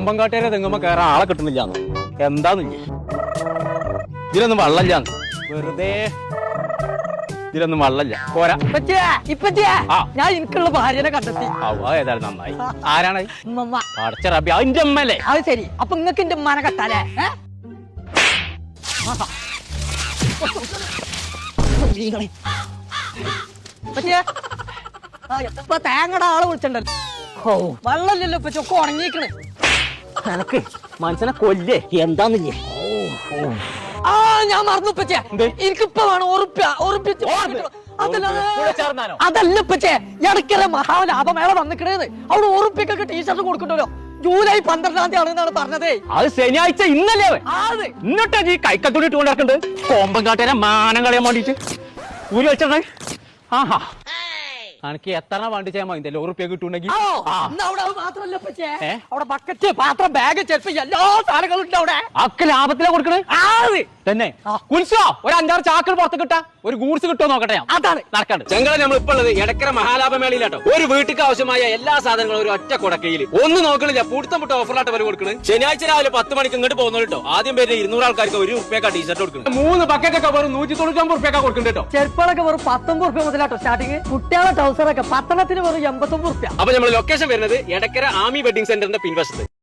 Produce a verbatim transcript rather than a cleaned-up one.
കോമ്പങ്കാട്ടേരെ തെങ്ങുമ്പോ കയറാൻ ആളെ കിട്ടുന്നില്ല എന്താന്നില്ലേ ഇതിലൊന്നും വെള്ളമില്ലാന്ന് വെറുതെ ഇതിലൊന്നും വെള്ളമില്ല പോരാ ഞാൻ എനിക്കുള്ള ഭാര്യനെ കണ്ടെത്തി ഏതായാലും നന്നായി ആരാണ് ഉമ്മ. അടച്ച റബി അതിന്റെ അമ്മല്ലേ അത് ശരി അപ്പൊ നിങ്ങക്ക് എന്റെ ഉമ്മാനെ കെട്ടാലേ ഏ? ഇപ്പച്ചിയെ, ആ, ഇപ്പൊ തേങ്ങയുടെ ആളെ വിളിച്ചിട്ടുണ്ടല്ലോ ഓ വെള്ളമില്ലല്ലോ ഇപ്പൊ ചൊക്കെ ഉണങ്ങിക്കണ് എനക്ക് മനുഷ്യനെ കൊല്ലേ എന്താന്നില്ലേ ആ ഞാൻ മറന്നു ഇപ്പച്ചേ എനിക്കിപ്പ വേണം ഉറുപ്പ്യ ഉറുപ്പ്യ അതല്ല ഇപ്പച്ചേ ഇടയ്ക്കര മഹാലാഭമേള വന്നിക്കണേന്ന് അവിടെ ഉറുപ്പ്യക്കൊക്കെ ടീഷർട്ട് കൊടുക്കണ്ടല്ലോ ജൂലൈ പന്ത്രണ്ടാം തീയതി ആണെന്നാണ് പറഞ്ഞതേ അത് ശനിയാഴ്ച ഇന്നല്ലേ എന്നിട്ടാ ഈ കൈക്കത്തോടി ഇട്ട് കൊണ്ടിറക്കുന്നുണ്ട് കോമ്പങ്കാട്ടേരെ മാനം കളയാൻ വേണ്ടിട്ട് ഊരി വെച്ചേ ആഹാ എനിക്ക് എത്ര വണ്ടി ചെയ്യാൻ മതി ഉറുപ്പ്യ കിട്ടുണ്ടെങ്കിൽ മാത്രമല്ല ഇപ്പച്ചേ അവിടെ ബക്കറ്റ് പാത്രം ബാഗ് ചെരുപ്പ് എല്ലാ സാധനങ്ങളും ഉണ്ട് അവിടെ ഒക്കെ ലാഭത്തിലാ കൊടുക്കണേ തന്നെ കുൽസോ ഒരു അഞ്ചാറ് ചാക്കൾ പുറത്ത് കിട്ടാ ഒരു ഗൂഡ്സ് കിട്ടുമോ നോക്കട്ടെ ഞാൻ അതാണ് നടക്കാണ്ട് ചെങ്കള നമ്മൾ ഇപ്പൊ ഉള്ളത് എടക്കര മഹാലാഭമേളയിലാട്ടോ ഒരു വീട്ടിക്ക് ആവശ്യമായ എല്ലാ സാധനങ്ങളും ഒരു ഒറ്റ കുടക്കയിൽ ഒന്ന് നോക്കണില്ല പൂട്ടം പുട്ട ഓഫറിലാട്ട് വരെ കൊടുക്കുന്നത് ശനിയാഴ്ച രാവിലെ പത്ത് മണിക്ക് ഇങ്ങോട്ട് പോകുന്നു കേട്ടോ ആദ്യം പേര് ഇരുന്നൂറ് ആൾക്കാർക്ക് ഒരു റുപ്യക്കാ ടീഷർട്ട് കൊടുക്കുന്നത് മൂന്ന് ബക്കറ്റൊക്കെ വെറും നൂറ്റി തൊണ്ണൂറ്റൊമ്പത് റുപ്യക്കാ കൊടുക്കുന്നുണ്ട് കേട്ടോ ചെരുപ്പളൊക്കെ വെറും പത്തൊമ്പത് റുപ്യ മുതലാട്ടോ സ്റ്റാർട്ടിങ് കുട്ടികളെ ട്രൗസറൊക്കെ പത്തനത്തിന് വെറും എൺപത്തൊമ്പത് റുപ്യ അപ്പൊ നമ്മൾ ലൊക്കേഷൻ വരുന്നത് എടക്കര ആമി വെഡിങ് സെന്ററിന്റെ പിൻവശത്ത്